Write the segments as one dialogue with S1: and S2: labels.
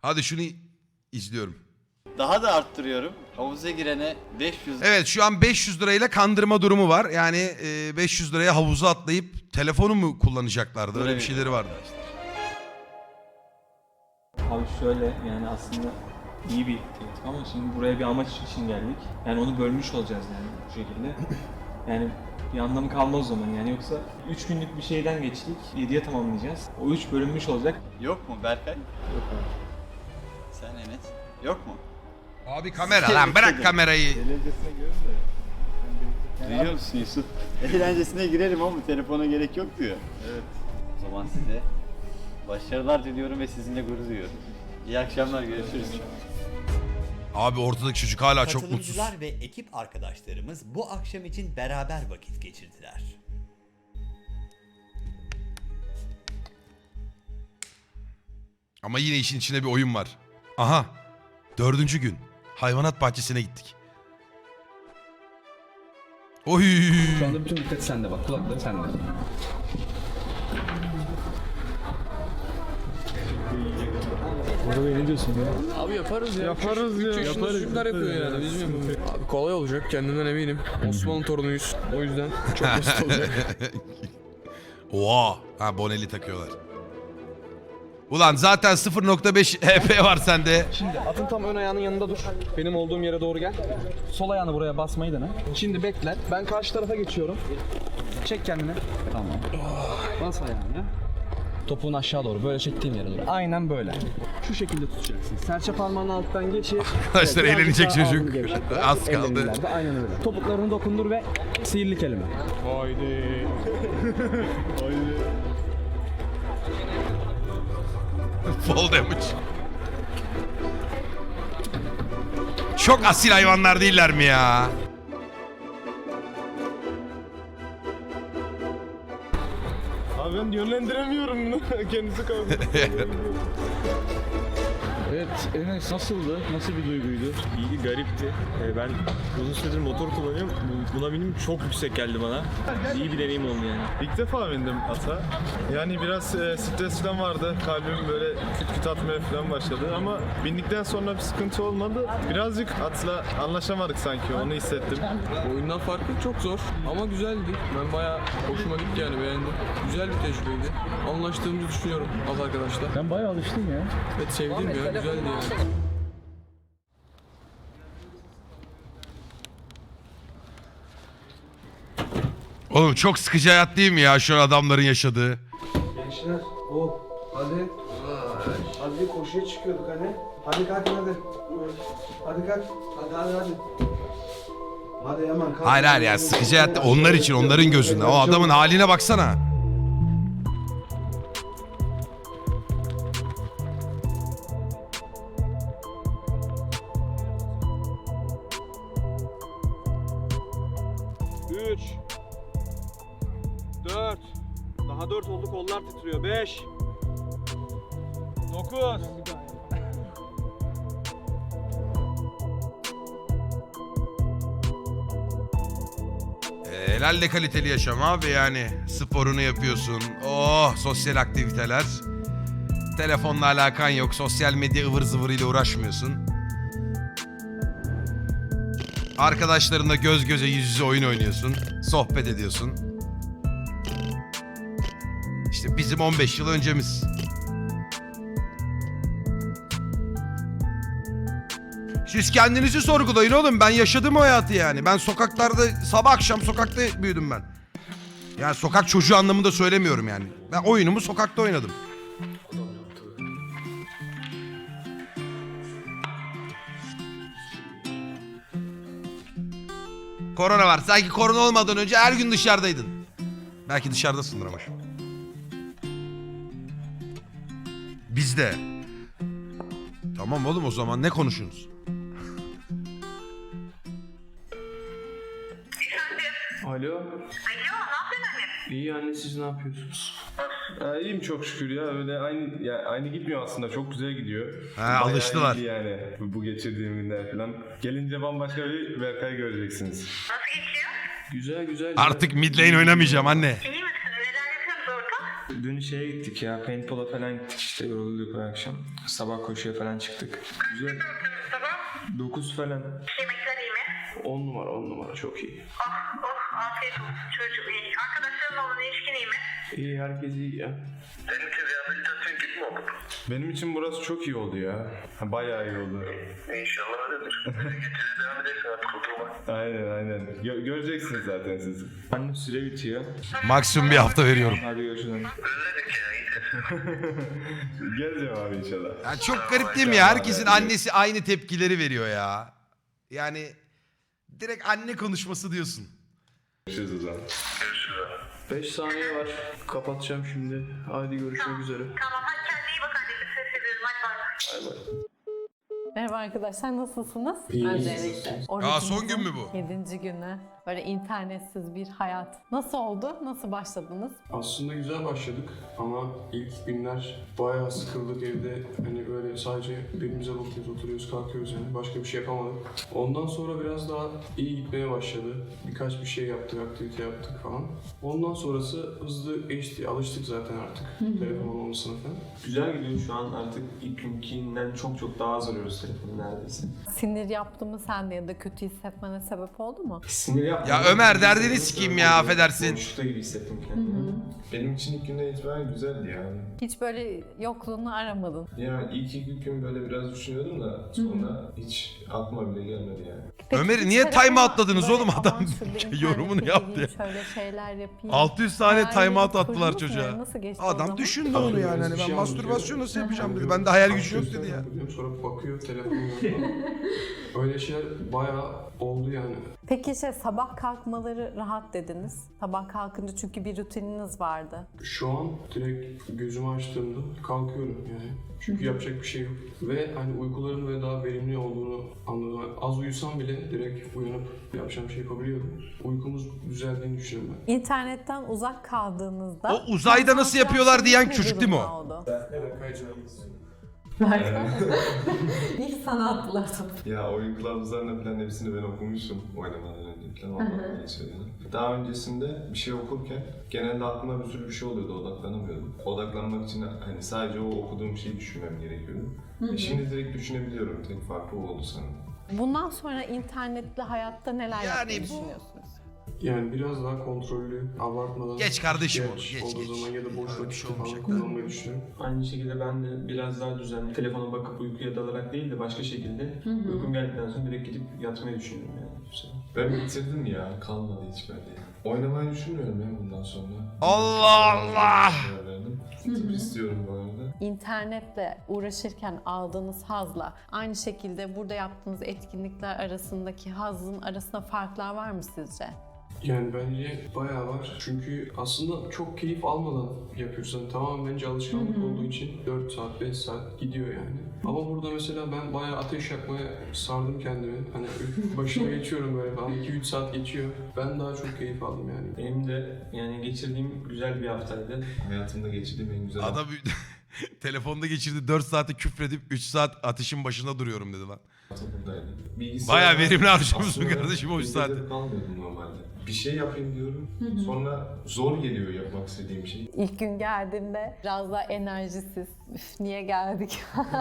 S1: Hadi şunu izliyorum.
S2: Daha da arttırıyorum. Havuza girene 500
S1: Evet şu an 500 lirayla kandırma durumu var. Yani 500 liraya havuza atlayıp telefonu mu kullanacaklardı? Öyle bir şeyleri vardı.
S3: Abi şöyle yani aslında iyi bir teklif ama şimdi buraya bir amaç için geldik. Yani onu bölmüş olacağız yani bu şekilde. Yani bir anlamı kalmaz o zaman yani yoksa 3 günlük bir şeyden geçtik 7'ye tamamlayacağız. O 3 bölünmüş olacak.
S2: Yok mu Berkay?
S3: Yok abi.
S2: Sen Enes. Yok mu?
S1: Abi kamera lan bırak kamerayı.
S2: Duyuyor musun Yusuf? Eğlencesine girelim ama telefona gerek yok diyor. Evet. O zaman size başarılar diliyorum ve sizinle gurur duyuyorum. İyi akşamlar, görüşürüz.
S1: Abi ortadaki çocuk hala çok mutsuz.
S4: Katılımcılar ve ekip arkadaşlarımız bu akşam için beraber vakit geçirdiler.
S1: Ama yine işin içinde bir oyun var. Aha. 4. gün. Hayvanat bahçesine gittik. Oy.
S5: Şu anda bütün dikkat sende bak. Kulakları sende.
S3: Orada ne diyorsun ya?
S6: Abi yaparız ya. Yaparız ya. Yaparız. Çocuklar yapıyor yani. Biz mi? Abi kolay olacak. Kendimden eminim. Osmanlı torunuyuz. O yüzden çok basit olacak.
S1: Oha. Ha boneli takıyorlar. Ulan zaten 0.5 HP var sende.
S5: Şimdi atın tam ön ayağının yanında dur. Benim olduğum yere doğru gel. Sol ayağını buraya basmayı dene. Şimdi bekle. Ben karşı tarafa geçiyorum. Çek kendini. Tamam. Bas ayağını. Topuğunu aşağı doğru. Böyle çektiğim yere doğru. Aynen böyle. Şu şekilde tutacaksın. Serçe parmağının alttan geçir.
S1: Arkadaşlar
S5: Evet,
S1: eğlenecek
S5: birazcık daha
S1: çocuk.
S5: ağzını gevşet biraz.
S1: Az kaldı.
S5: Ellerini ileride, aynen öyle. Topuklarını dokundur ve sihirli kelime.
S3: Haydi.
S1: Fall damage. Çok asil hayvanlar değiller mi ya?
S7: Abi ben yönlendiremiyorum bunu. Kendisi kaldı.
S8: Evet, Enes nasıldı? Nasıl bir duyguydu?
S3: İyi, garipti. Ben uzun süredir motor kullanıyorum. Buna benim çok yüksek geldi bana. İyi bir deneyim oldu yani.
S7: İlk defa bindim ata. Yani biraz stres falan vardı. Kalbim böyle küt küt atmaya falan başladı ama bindikten sonra bir sıkıntı olmadı. Birazcık atla anlaşamadık sanki, onu hissettim.
S6: Oyundan farklı çok zor ama güzeldi. Ben bayağı hoşuma gitti yani beğendim. Güzel bir tecrübeydi. Anlaştığımızı düşünüyorum az arkadaşlar.
S5: Ben bayağı alıştım ya.
S6: Evet sevdim ya güzeldi yani.
S1: Oğlum çok sıkıcı hayat değil mi ya şu an adamların yaşadığı?
S9: Gençler, hadi. Hadi koşuya çıkıyorduk hani. Hadi kalkın hadi. Hadi kalk. Hadi. Hadi hemen kalk.
S1: Hayır hayır ya sıkıcı hayat onlar için onların gözünde. O adamın haline baksana.
S9: Üç. 4. Daha 4 oldu, kollar titriyor. 5. 9.
S1: Helal kaliteli yaşam abi yani. Sporunu yapıyorsun. Oh sosyal aktiviteler. Telefonla alakan yok. Sosyal medya ıvır zıvırıyla uğraşmıyorsun. Arkadaşlarınla göz göze yüz yüze oyun oynuyorsun. Sohbet ediyorsun. İşte bizim 15 yıl öncemiz. Siz kendinizi sorgulayın oğlum. Ben yaşadım o hayatı yani. Ben sokaklarda sabah akşam sokakta büyüdüm ben. Yani sokak çocuğu anlamında söylemiyorum yani. Ben oyunumu sokakta oynadım. Korona var. Sanki korona olmadan önce her gün dışarıdaydın. Belki dışarıdasındır ama şu. Bizde. Tamam oğlum o zaman ne konuşuyorsunuz?
S6: Alo. Alo ne yapıyorsun anne? İyi anne siz ne yapıyorsunuz?
S7: İyiyim çok şükür ya, öyle aynı gitmiyor aslında, çok güzel gidiyor.
S1: Ha, alıştılar.
S7: Bayağı iyiydi yani bu geçirdiğim günler falan. Gelince bambaşka bir Berkay göreceksiniz.
S6: Güzel güzel.
S1: Artık mid lane oynamayacağım anne.
S10: İyi misin? Neler yapıyorsunuz orada?
S3: Dün şeye gittik ya, paintball'a falan gittik işte, yorulduk bu akşam. Sabah koşuya falan çıktık. Güzel. 9 falan.
S10: Yemekler iyi mi?
S3: 10 numara çok iyi.
S10: Afiyet olsun çocuğum iyi. Arkadaşların olan ilişkin iyi mi?
S3: İyi, herkes iyi ya.
S10: Senin için rehabilitasyon gibi mi oldu?
S7: Benim için burası çok iyi oldu ya. Bayağı iyi oldu.
S10: İnşallah öyledir. Getirir devam edersin artık oturma.
S7: Aynen. Göreceksiniz zaten siz.
S3: Annem süre bitiyor.
S1: Maksimum bir hafta veriyorum.
S3: Hadi görüşürüz.
S10: Özledik ya iyi.
S7: Geleceğim abi inşallah.
S1: Ya çok garip değil mi ya? Herkesin annesi aynı tepkileri veriyor ya. Yani direkt anne konuşması diyorsun.
S7: Görüşürüz o zaman.
S8: 5 saniye var. Kapatacağım şimdi. Haydi görüşmek üzere.
S10: Tamam hadi kendine iyi bak anneciğim. Ses ediyorum hadi bay bay.
S11: Merhaba arkadaşlar, nasılsınız?
S8: İyi.
S11: Öncelikle.
S1: Son gün mü bu?
S11: 7. günü. Böyle internetsiz bir hayat. Nasıl oldu? Nasıl başladınız?
S8: Aslında güzel başladık ama ilk günler bayağı sıkıldık evde. Hani böyle sadece birbirimize bakıyoruz, oturuyoruz, kalkıyoruz yani. Başka bir şey yapamadık. Ondan sonra biraz daha iyi gitmeye başladı. Birkaç bir şey yaptık, aktivite yaptık falan. Ondan sonrası hızlı geçti. Alıştık zaten artık telefon olmasına falan.
S3: Güzel gidiyor şu an, artık ilk günkinden çok daha az arıyoruz telefonu neredeyse.
S11: Sinir yaptı mı sende ya da kötü hissetmene sebep oldu mu?
S3: Sinir yapma.
S1: Ya Ömer, derdini sikeyim ya, affedersin.
S3: Boşlukta gibi hissettim kendimi.
S7: Benim için ilk günden itibaren güzeldi yani.
S11: Hiç böyle yokluğunu aramadın.
S7: Yani ilk iki gün böyle biraz düşünüyordum da sonra hiç aklıma bile gelmedi yani.
S11: Peki
S1: Ömer'i
S11: hiç
S1: niye
S11: telefona
S1: time outladınız
S11: böyle,
S1: oğlum? Adam
S11: "Aman şurada internete
S1: yorumunu yaptı
S11: gireyim,
S1: ya.
S11: Şöyle şeyler yapayım.
S1: 600 tane
S11: Hayalini
S1: time out attılar
S11: kurdunuz mu?
S1: çocuğa.
S11: Nasıl geçti o
S1: Adam
S11: zaman?
S1: düşündü onu yani. Hani
S8: Bir
S1: ben
S8: şey
S1: mastürbasyon nasıl
S8: anlatıyor.
S1: yapacağım dedi. Bende hayal gücü yok dedi ya.
S8: Bakıyorum, sonra bakıyor telefonu yok. Öyle şeyler bayağı oldu yani.
S11: Peki sabah kalkmaları rahat dediniz. Sabah kalkınca çünkü bir rutininiz vardı.
S8: Şu an direkt gözümü açtığımda kalkıyorum yani. Çünkü yapacak bir şey yok. Ve hani uykuların böyle daha verimli olduğunu anladım. Yani az uyusam bile direkt uyanıp yapacağım şey yapabiliyordum. Uykumuz düzeldiğini düşünüyorum ben.
S11: İnternetten uzak kaldığınızda...
S1: O uzayda nasıl yapıyorlar diyen
S11: ne
S1: çocuk değil mi o?
S11: durumda oldu?
S8: Evet, kayıcıyız.
S11: İlk sana attılar tabii.
S7: Ya oyun kılavuzlarını falan hepsini ben okumuşum oynamadan önce falan ondan geçiyorum. Daha öncesinde bir şey okurken genelde aklıma bir sürü bir şey oluyordu, odaklanamıyordum. Odaklanmak için hani sadece o okuduğum şeyi düşünmem gerekiyordu. Şimdi direkt düşünebiliyorum, tek farkı o oldu sanırım.
S11: Bundan sonra internetli hayatta neler
S1: Yani
S11: yapmayı
S1: bu-
S11: düşünüyorsunuz?
S8: Yani biraz daha kontrollü, abartmadan...
S1: Geç kardeşim
S8: ihtiyaç
S1: onu, geç,
S8: olduğu
S1: geç.
S8: zaman ya da boş
S1: Öyle bir
S8: vakit
S1: şey
S8: falan
S1: olmayacak.
S8: kullanmayı düşünüyorum.
S3: Aynı şekilde ben de biraz daha düzenli, telefona bakıp uykuya dalarak değil de başka şekilde uykum geldikten sonra direkt gidip yatmayı düşünüyorum yani.
S7: Ben bitirdim ya, kalmadı hiç bende. Oynamayı düşünmüyorum ya bundan sonra.
S1: Allah Allah!
S7: Tıp istiyorum bu arada.
S11: İnternetle uğraşırken aldığınız hazla aynı şekilde burada yaptığınız etkinlikler arasındaki hazın arasında farklar var mı sizce?
S8: Yani bence bayağı var. Çünkü aslında çok keyif almadan yapıyorsun. Yani tamamen bence alışkanlık olduğu için 4 saat, 5 saat gidiyor yani. Ama burada mesela ben bayağı ateş yakmaya sardım kendimi. Hani başına geçiyorum böyle falan. 2-3 saat geçiyor. Ben daha çok keyif aldım yani.
S3: Benim de yani geçirdiğim güzel bir haftaydı.
S7: Hayatımda geçirdiğim en güzel
S1: Adam telefonda geçirdi 4 saati küfredip 3 saat ateşin başında duruyorum dedi lan.
S7: buradaydı.
S1: Bayağı verimli harcamışsın
S7: Aslında
S1: kardeşim o 3
S7: bilgisayarda
S1: saati.
S7: kalmıyordum normalde. Bir şey yapayım diyorum. Sonra zor geliyor yapmak istediğim şey.
S11: İlk gün geldiğimde biraz daha enerjisiz, üf niye geldik?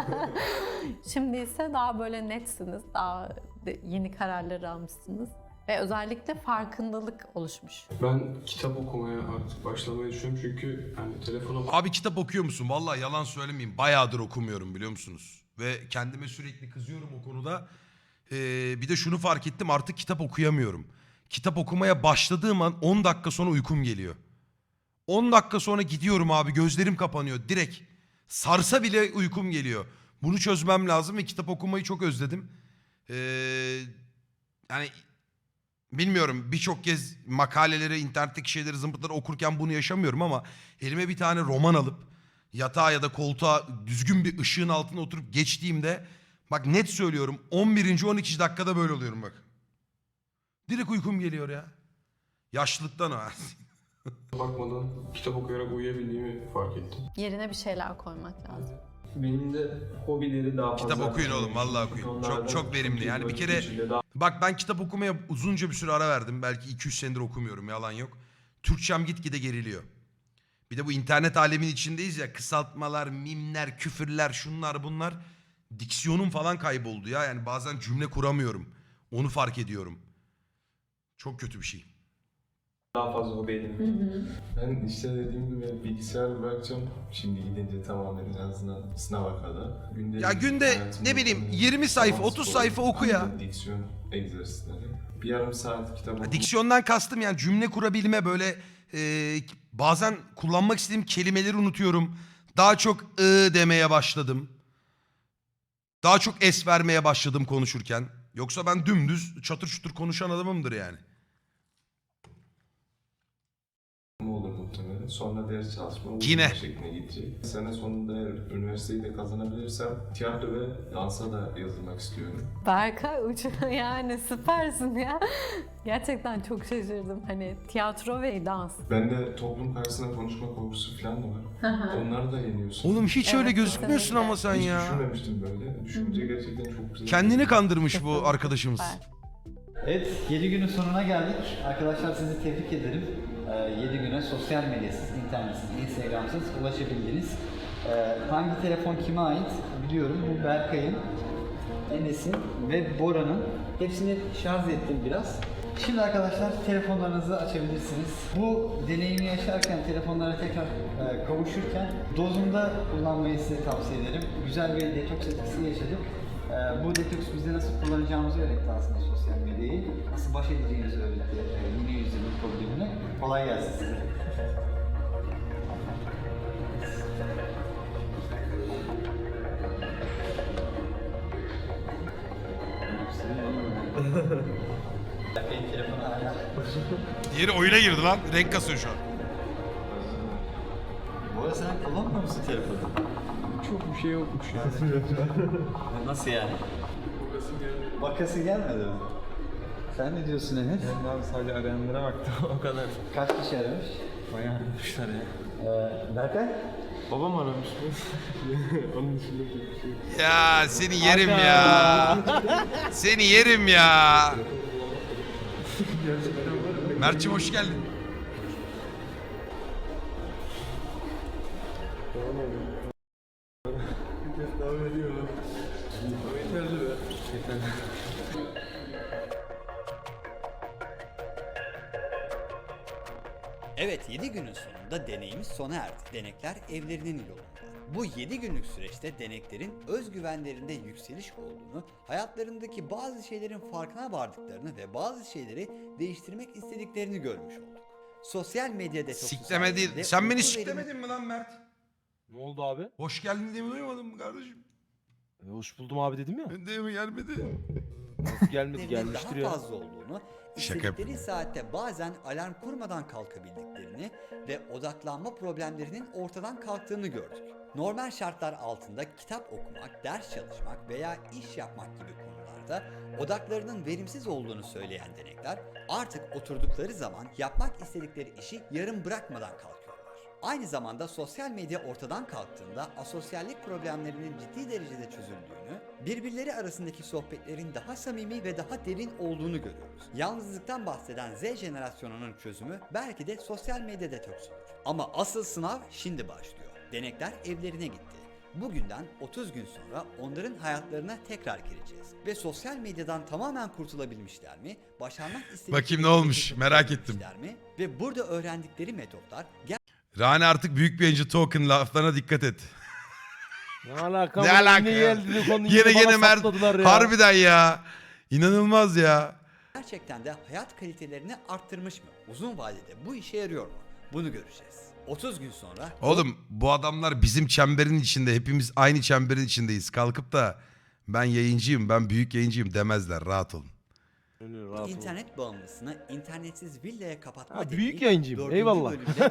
S11: Şimdi ise daha böyle netsiniz, daha yeni kararlar almışsınız. Ve özellikle farkındalık oluşmuş.
S8: Ben kitap okumaya artık başlamayı düşünüyorum çünkü hani telefona
S1: Abi kitap okuyor musun? Vallahi yalan söylemeyeyim. Bayağıdır okumuyorum biliyor musunuz? Ve kendime sürekli kızıyorum o konuda. Bir de şunu fark ettim, artık kitap okuyamıyorum. Kitap okumaya başladığım an 10 dakika sonra uykum geliyor. 10 dakika sonra gidiyorum abi, gözlerim kapanıyor direkt. Sarsa bile uykum geliyor. Bunu çözmem lazım ve kitap okumayı çok özledim. Yani bilmiyorum, birçok kez makaleleri, internetteki şeyleri, zımpıtları okurken bunu yaşamıyorum ama elime bir tane roman alıp yatağa ya da koltuğa düzgün bir ışığın altına oturup geçtiğimde, bak net söylüyorum, 11. 12. dakikada böyle oluyorum bak. Direkt uykum geliyor ya. Yaşlılıktan o.
S8: bakmadan kitap okuyarak uyuyabildiğimi fark ettim.
S11: Yerine bir şeyler koymak lazım.
S3: Benim de hobileri daha fazla.
S1: Kitap okuyun oğlum, vallahi okuyun. Çok verimli. Yani bir kere bak, ben kitap okumaya uzunca bir süre ara verdim. Belki 2-3 senedir okumuyorum, yalan yok. Türkçem gitgide geriliyor. Bir Bir de bu internet alemin içindeyiz ya, kısaltmalar, mimler, küfürler, şunlar bunlar. Diksiyonum falan kayboldu ya. Yani bazen cümle kuramıyorum. Onu fark ediyorum. Çok kötü bir şey.
S3: Daha fazla hobi edinmek.
S7: Ben işte dediğim gibi bilgisayar bırakacağım. Şimdi gidince tamamen en azından sınava kadar.
S1: Ya günde ne bileyim 20 sayfa, 30 sayfa oku ya.
S7: Diksiyon egzersizleri. Bir yarım saat kitap oku.
S1: Diksiyondan kastım yani cümle kurabilme, böyle bazen kullanmak istediğim kelimeleri unutuyorum. Daha çok demeye başladım. Daha çok es vermeye başladım konuşurken. Yoksa ben dümdüz çatır çutur konuşan adamımdır yani.
S7: olur muhtemelen. Sonra ders çalışma
S1: Yine.
S7: şekline gidecek. Sene sonunda eğer üniversiteyi de kazanabilirsem tiyatro ve dansa da yazılmak istiyorum.
S11: Berkay yani süpersin ya. Gerçekten çok şaşırdım. Hani tiyatro ve dans.
S7: Bende toplum karşısında konuşma korkusu falan da var. Onları da yeniyorsun.
S1: Oğlum hiç öyle
S11: Evet,
S1: gözükmüyorsun
S11: kesinlikle.
S1: ama sen
S7: Hiç
S1: ya.
S7: düşünmemiştim böyle. Düşününce gerçekten çok güzel.
S1: Kendini kandırmış bu arkadaşımız.
S11: Süper.
S2: Evet, 7 günün sonuna geldik. Arkadaşlar sizi tebrik ederim. 7 güne sosyal medyasız, internetsiz, instagramsız ulaşabildiniz. Hangi telefon kime ait biliyorum. Bu Berkay'ın, Enes'in ve Bora'nın. Hepsini şarj ettim biraz. Şimdi arkadaşlar telefonlarınızı açabilirsiniz. Bu deneyimi yaşarken, telefonlara tekrar kavuşurken dozunda kullanmayı size tavsiye ederim. Güzel bir detoks etkisi yaşadık. Bu detoks bize nasıl kullanacağımızı öğretti aslında sosyal medyayı. Nasıl baş edeceğimizi öğretti yeni yüzyılın problemine. Kolay gelsin size. Benim telefonu hala.
S1: Diğeri oyuna girdi lan. Renk kasıyor şu an.
S2: Bu arada sen kullanmıyor musun telefonu?
S6: Çok bir şey yokmuş ya.
S2: Nasıl yani? Bakası gelmedi mi? Sen ne diyorsun Enes?
S3: Ben abi sadece arayanlara baktım o kadar.
S2: Kaç kişi aramış?
S3: Bayağı aramışlar ya.
S2: Berkay?
S6: Babam aramış mı? Onun dışında bir şey yok.
S1: Ya seni yerim ya. Seni yerim ya. Mert'cim hoş geldin.
S4: Evet, 7 günün sonunda deneyimiz sona erdi. Denekler evlerinin yolunda. Bu 7 günlük süreçte deneklerin özgüvenlerinde yükseliş olduğunu, hayatlarındaki bazı şeylerin farkına vardıklarını ve bazı şeyleri değiştirmek istediklerini görmüş olduk. Sosyal medya detoksu
S1: Sikleme
S4: sayesinde
S1: değil. Sen beni
S4: uyku
S1: siklemedin mi lan Mert?
S9: Ne oldu abi?
S1: Hoş geldin diye mi duymadın mı kardeşim?
S9: Hoş buldum abi dedim ya.
S1: Ben de mi gelmedi?
S9: Nasıl gelmedi
S4: veriminin
S9: gelmiştir
S4: daha
S9: ya.
S4: fazla olduğunu,
S1: Şaka
S4: istedikleri saatte bazen alarm kurmadan kalkabildiklerini ve odaklanma problemlerinin ortadan kalktığını gördük. Normal şartlar altında kitap okumak, ders çalışmak veya iş yapmak gibi konularda odaklarının verimsiz olduğunu söyleyen denekler artık oturdukları zaman yapmak istedikleri işi yarım bırakmadan kalkıyorlar. Aynı zamanda sosyal medya ortadan kalktığında asosyallik problemlerinin ciddi derecede çözüldüğünü, birbirleri arasındaki sohbetlerin daha samimi ve daha derin olduğunu görüyoruz. Yalnızlıktan bahseden Z jenerasyonunun çözümü belki de sosyal medya detoksudur. Ama asıl sınav şimdi başlıyor. Denekler evlerine gitti. Bugünden 30 gün sonra onların hayatlarına tekrar gireceğiz. Ve sosyal medyadan tamamen kurtulabilmişler mi? Başarmak istedikleri
S1: Bakayım ne olmuş,
S4: şeyi
S1: merak ettim.
S4: yapabilmişler mi? Ve burada öğrendikleri metotlar
S1: Rani artık büyük bir yayıncı, token laflarına dikkat et.
S9: Ne alaka?
S1: Ne alaka
S9: Yine
S1: ya?
S9: geldi konu
S1: Yine Mert. Harbiden ya. İnanılmaz ya.
S4: gerçekten de hayat kalitelerini arttırmış mı? Uzun vadede bu işe yarıyor mu? Bunu göreceğiz. 30 gün sonra
S1: Oğlum bu adamlar bizim çemberin içinde. Hepimiz aynı çemberin içindeyiz. Kalkıp da ben yayıncıyım, ben büyük yayıncıyım demezler. Rahat olun.
S4: internet bağımlısını internetsiz villaya kapatma
S9: Ha,
S4: deneyi
S9: büyük yayıncıyım,
S4: 4.
S9: eyvallah.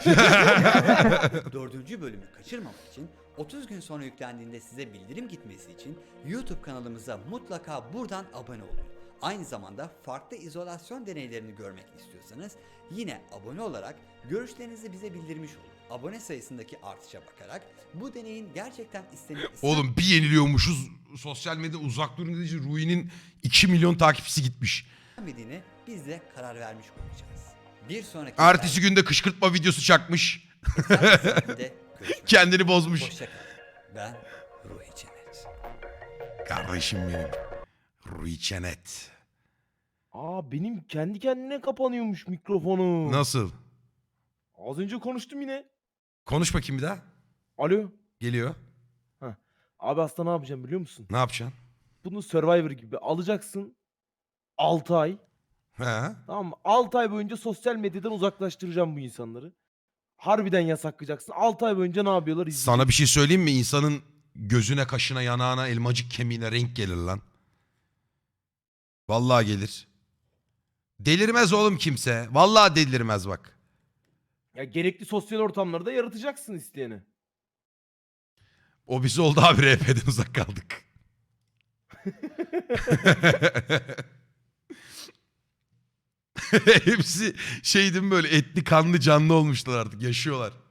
S4: bölümde 4. bölümü kaçırmamak için 30 gün sonra yüklendiğinde size bildirim gitmesi için YouTube kanalımıza mutlaka buradan abone olun. Aynı zamanda farklı izolasyon deneylerini görmek istiyorsanız yine abone olarak görüşlerinizi bize bildirmiş olun. Abone sayısındaki artışa bakarak bu deneyin gerçekten
S1: Oğlum bir yeniliyormuşuz. Sosyal medya uzak durun dediği için Rui'nin 2 milyon takipçisi gitmiş.
S4: istenmediğine biz de karar vermiş olacağız. Bir sonraki
S1: Ertesi günde kışkırtma videosu çakmış.
S4: Eser bölümünde görüşmek
S1: Kendini bozmuş.
S4: Hoşçakalın. Ben Ruhi Çenet.
S1: Kardeşim benim. Rui Çenet.
S9: Aa benim kendi kendine kapanıyormuş mikrofonu.
S1: Nasıl?
S9: Az önce konuştum yine.
S1: Konuş bakayım bir daha.
S9: Alo.
S1: Geliyor.
S9: Abi aslında ne yapacağım biliyor musun?
S1: Ne yapacaksın?
S9: Bunu Survivor gibi alacaksın. 6 ay.
S1: He.
S9: Tamam mı? 6 ay boyunca sosyal medyadan uzaklaştıracağım bu insanları. Harbiden yasaklayacaksın. 6 ay boyunca ne yapıyorlar izleyeceksin.
S1: Sana bir şey söyleyeyim mi? İnsanın gözüne, kaşına, yanağına, elmacık kemiğine renk gelir lan. Vallahi gelir. Delirmez oğlum kimse. Vallahi delirmez bak.
S9: Ya gerekli sosyal ortamları da yaratacaksın isteyene.
S1: O bizi oldu abi, RP'den uzak kaldık. Hepsi şeydim böyle etli kanlı canlı olmuşlar artık, yaşıyorlar.